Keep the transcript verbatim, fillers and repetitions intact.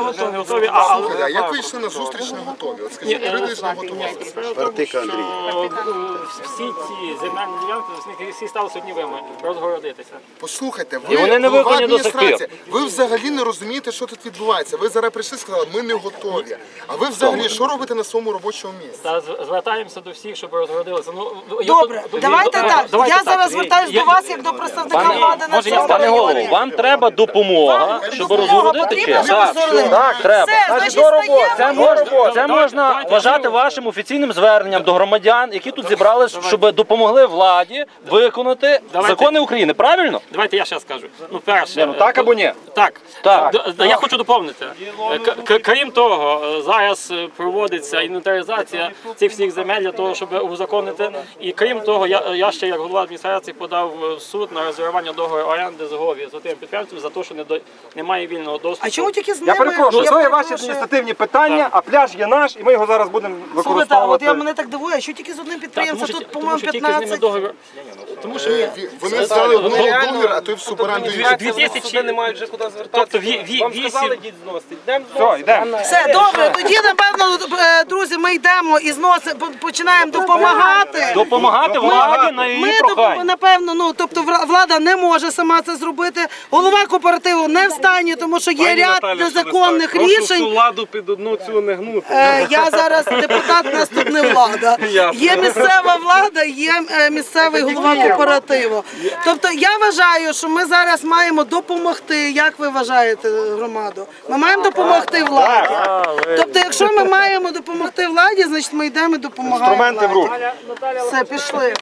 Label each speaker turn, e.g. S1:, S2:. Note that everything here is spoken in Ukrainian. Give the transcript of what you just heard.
S1: готові.
S2: не готові. А,
S3: Слухайте, а як ви йшли на зустріч не готові? От скажіть,
S2: Ні,
S3: критично готувалися.
S4: Вартика Андрій.
S2: Всі ці земельні ділянки, з них всі стали сьогоднівими, розгородитися.
S3: Послухайте,
S5: І
S3: ви
S5: вони не
S3: голова
S5: виконані до сих
S3: адміністрації, ви взагалі не розумієте, що тут відбувається. Ви зараз прийшли і сказали, ми не готові. А ви взагалі що робите на своєму робочому місці?
S2: Та з- звертаємося до всіх, щоб розгородилися. Ну, я-
S1: Добре,
S2: я-
S1: давайте
S2: я-
S1: так.
S2: давайте
S1: Я
S2: так.
S1: зараз звертаюсь
S2: Я-
S1: до вас, як до представника
S5: Пане-
S1: влади на
S2: може, я-
S1: цьому
S5: Пане голово,
S1: районі.
S5: вам треба допомога, щоб
S1: Допомога
S5: розгородити
S1: потрібна,
S5: чи?
S1: щоб розгородити?
S5: Так, треба.
S1: Все, значить, стаємо.
S5: Це можна, це
S2: Давайте,
S5: можна
S2: давайте,
S5: вважати
S2: давайте.
S5: вашим офіційним зверненням до громадян, які тут зібрались, щоб допомогли владі виконати
S2: Давайте.
S5: закони України. Правильно?
S2: Давайте я ще скажу. Ну, перше,
S5: Ну так або ні?
S2: Так,
S5: Так.
S2: Д- д- я хочу доповнити. Е, к- к- Крім того, е, зараз е, проводиться інвентаризація цих всіх земель для того, щоб узаконити. І крім того, я, я ще як голова адміністрації подав в суд на розірвання договору оренди з ГОВі з тим підприємцем за те, що не до- немає вільного доступу.
S1: А чому тільки з ними?
S6: Я перепрошую, це є ваші
S1: перепрошую.
S6: адміністративні питання, а пляж є наш, і ми його зараз будемо
S1: Слухайте, от
S6: використовувати.
S1: я мене так дивує, що тільки з одним
S2: Так,
S1: підприємцем,
S2: тому що,
S1: тут,
S2: тому
S1: по-моєму,
S2: що тільки з ними
S1: п'ятнадцять.
S2: договір. Тому що
S3: Е, ві- Вони здали одного договір, а той в суборенду інший.
S2: дві тисячі
S7: не мають вже куди звертатися.
S2: Тобто ві- ві-
S7: Вам
S2: вісім-
S7: сказали, дід зносить. Йдемо
S6: Все, йдемо.
S1: Все, добре, тоді, напевно, е, друзі, ми йдемо і зносимо, по- починаємо допомагати.
S5: Допомагати владі на її
S1: Ми,
S5: прохання.
S1: доп- напевно, ну, тобто вра- влада не може сама це зробити, голова кооперативу не в стані, тому що є ряд незаконних рішень.
S7: владу під одну цю не гнути.
S1: Е, Я зараз депутат, у нас тут не влада. Є місцева влада, є е, місцевий голова кооперативу. Тобто я вважаю, що ми зараз маємо допомогти. Як ви вважаєте, громаду? Ми маємо допомогти владі. Тобто, якщо ми маємо допомогти владі, значить ми йдемо і допомагаємо
S6: Інструменти в
S1: владі.
S6: руки.
S1: Все, пішли.